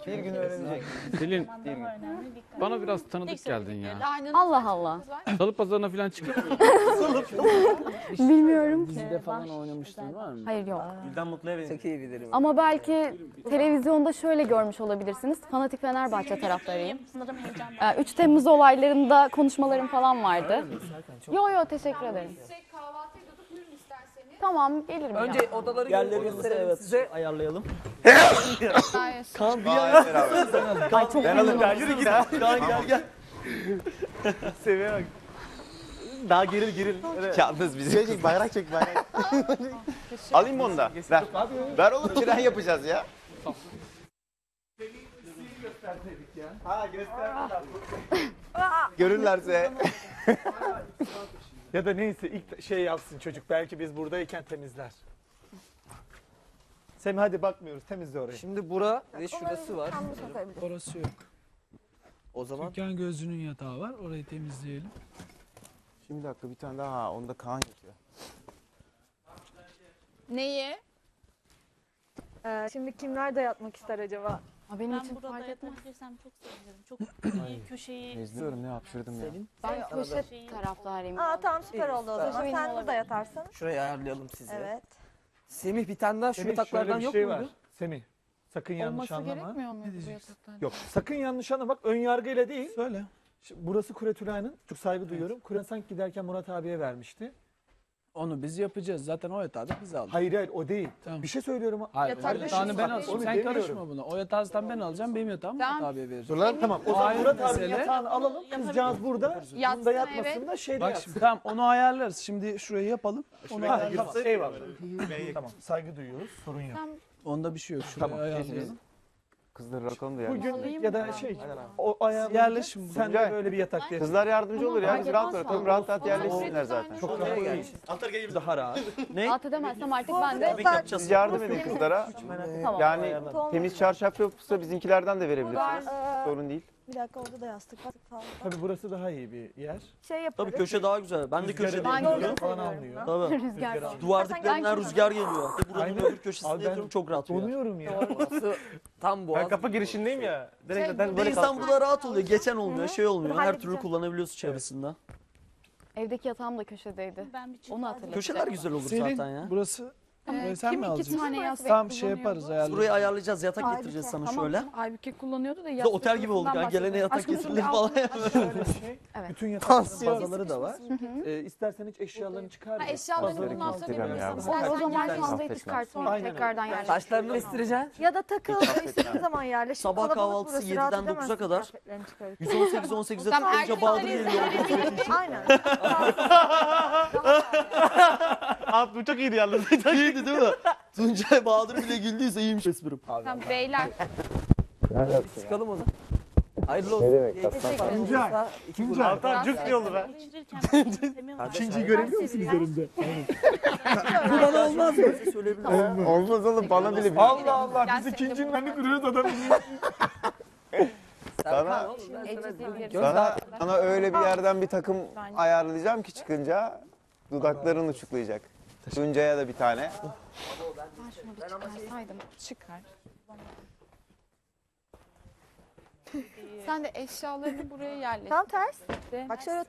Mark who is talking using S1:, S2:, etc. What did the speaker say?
S1: Bir gün öğrenecek.
S2: Selin, bana biraz tanıdık geldin ya.
S3: Allah Allah.
S2: Salı pazarına falan çıkıyor musun?
S3: Bilmiyorum ki.
S4: Dizide falan oynamıştın var mı?
S3: Hayır yok.
S1: Gülden Mutlu'ya benziyor.
S5: Çok iyi bilirim.
S3: Ama belki televizyonda şöyle görmüş olabilirsiniz. Fanatik Fenerbahçe taraftarıyım.
S6: Sanırım heyecanlı.
S3: 3 Temmuz olaylarında konuşmalarım falan vardı. Yo teşekkür ederim. Tamam gelirim.
S5: Önce
S3: ya.
S5: odaları
S4: Yerleri
S5: gösterelim size.
S4: ayarlayalım.
S5: Kaan bir
S1: Vay beraber.
S3: Ay çok
S1: Ben alırım.
S3: memnunum.
S1: Yürü git. Kaan gel.
S4: Seviye bak. Daha geril. Evet.
S1: Yalnız bizi. Çek bayrak çek bayrak. Alayım mı onu da? Ver. Ver oğlum tren yapacağız ya. Ha gösterdiler. Görürlerse.
S4: Ya da neyse ilk şey yapsın çocuk. Belki biz buradayken temizler. Semih hadi bakmıyoruz. Temizle orayı.
S5: Şimdi bura ve şurası var.
S7: Orası yok.
S5: O zaman
S7: Türkan Gözlü'nün yatağı var. Orayı temizleyelim.
S1: Şimdi bir dakika bir tane daha. Onda Kaan yatıyor.
S8: Neyi? Şimdi kimler de yatmak ister acaba?
S3: Benim
S6: Ben
S3: için
S6: burada
S3: fark etmez.
S6: yatabilirsem çok sevinirim. Çok iyi köşeyi.
S1: Nezliyorum ne hapşırdım ya.
S3: Ben köşe taraftarıyım.
S8: Tamam süper oldu o zaman.
S3: Köşe benim
S8: Sen burada
S3: olabilir.
S8: yatarsın.
S5: şurayı ayarlayalım size.
S8: Evet.
S5: Semih bir tane daha şu
S4: Semih şöyle
S5: yataklardan
S4: bir
S5: yok
S4: şey
S5: muydu?
S4: var. Semih sakın yanlış
S3: Olması
S4: anlama.
S3: gerekmiyor mu
S7: Ne
S3: bu
S7: diyeceksin?
S3: yataklar?
S4: Yok sakın yanlış anlama. Bak ön yargıyla değil.
S7: Söyle.
S4: Şimdi burası Kuretülay'ın. Çok saygı duyuyorum. Kuret sanki giderken Murat abiye vermişti.
S7: Onu biz yapacağız. Zaten o yatağı da biz aldık.
S4: Hayır o değil.
S7: Tamam.
S4: Bir şey söylüyorum.
S7: Hayır,
S8: Yatak
S7: o yatağını ben
S4: Bak,
S7: alacağım.
S4: onu
S7: Sen
S4: demiyorum.
S7: karışma buna. O yatağı zaten ben alacağım. Benim yatağımı Murat abiye vereceğim.
S4: Dur lan tamam. O zaman
S7: Hayır,
S4: Murat abinin
S7: mesele-
S4: yatağını alalım. Kızcağız burada.
S8: Yatsın,
S4: Bunda yatmasın da şeyde
S7: Bak
S4: yatsın.
S7: şimdi tamam onu ayarlarız. Şimdi şurayı yapalım. Onu
S4: Ha,
S7: ayarlarız.
S4: tamam. Eyvallah. Tamam. Saygı duyuyoruz. Sorun yok.
S7: Onda bir şey yok. Şurayı
S4: Tamam.
S7: ayarlayalım.
S1: Kızları bırakalım da yani.
S4: Bugün ya da şey o ayarlayınca
S7: Yerleşin
S4: sen de
S1: Tuncay.
S4: böyle bir yatak yersin.
S1: Kızlar yardımcı olur ya.
S3: fark
S1: Biz rahat
S3: etmez
S1: bırakalım.
S3: falan.
S1: Rahat rahat yerleşsinler zaten.
S4: Çok rahat değil. Daha rahat.
S3: Alt edemezsem artık ben de
S1: Siz yardım edin kızlara.
S3: tamam.
S1: Yani temiz çarşaf yoksa bizimkilerden de verebilirsiniz. Sorun değil.
S8: Bir dakika orada da yastık falan.
S4: Tabii burası daha iyi bir yer.
S8: Şey yaparız.
S5: Tabii köşe daha güzel. Ben de
S4: Rüzgarı
S5: köşede
S3: Ben
S5: yatıyorum.
S3: de
S4: falan
S8: seviyorum.
S4: almıyor.
S5: Tabii.
S3: Rüzgar falan.
S5: Duvar
S8: Sen
S5: diplerinden
S8: gel-
S5: rüzgar geliyor. Buranın
S4: Aynen.
S5: öbür köşesinde
S4: Abi ben
S5: yatıyorum çok rahat uyuyor.
S4: Donuyorum ya.
S5: Orası tam boğaz.
S1: girişindeyim ya. Direkt
S5: Bir de insan burada rahat oluyor. Geçen olmuyor, şey olmuyor. Her türlü
S8: halledeceğim.
S5: kullanabiliyorsun çevresinde.
S3: Evdeki yatağım da köşedeydi.
S6: Ben bir çift
S3: Onu hatırlatacağım.
S5: Köşeler güzel olur
S7: Selin
S5: zaten ya.
S7: burası. Burayı sen mi alacaksın?
S3: tane yastık
S7: Tamam şey yaparız ayarlarız.
S5: Burayı ayarlayacağız. Yatak getireceğiz sana şöyle.
S3: Aybüke kullanıyordu da
S5: Bir de otel gibi olduk. Yani gelene yatak getirilir falan.
S4: Şöyle şey.
S3: Evet.
S4: Bütün yatak
S5: Tansiyon.
S4: bazaları da var. İstersen hiç eşyalarını çıkar.
S8: eşyalarını
S4: Bazıları
S8: bundan
S4: kimse
S8: sonra
S4: bilmiyor.
S8: yapıyorsun.
S3: O zaman
S8: Sen
S3: fazla hiç
S1: affetmez.
S3: çıkartmayın.
S4: Aynen
S3: Tekrardan yerleştirin.
S5: Saçlarını estireceksin.
S8: Ya da takıl istediğin zaman yerleş.
S5: Sabah
S8: Kalabalık
S5: kahvaltısı
S8: burası,
S5: 7'den
S8: rahat
S5: 9'a
S8: edemezsin
S5: kadar.
S8: kıyafetlerini çıkarıp.
S5: 118-18'de
S3: Tamam,
S5: tıklayınca Bahadır geliyor.
S8: Aynen.
S1: Abi bu çok iyiydi yalnız.
S5: İyiydi değil mi? Tuncay Bahadır bile güldüyse iyiymiş esprim.
S8: Tamam beyler.
S5: Çıkalım onu. Hayırlı olsun. Ne demek?
S4: Tuncay. Tuncay.
S1: Altan cuk yolu be.
S4: İkinciyi görebiliyor musun üzerimde?
S5: Bu bana olmaz mı? Söyleyebilirim.
S1: Olmaz oğlum bana bile bir.
S4: Allah Allah biz ikincinin önünü kırıyoruz adam.
S1: Sana öyle bir yerden bir takım ayarlayacağım ki çıkınca dudakların uçuklayacak. Tuncay'a da bir tane.
S3: Ben şunu bir çıkarsaydım. Çıkar.
S8: Sen de eşyalarını buraya yerleştir.
S6: Tam ters.
S8: Bak şöyle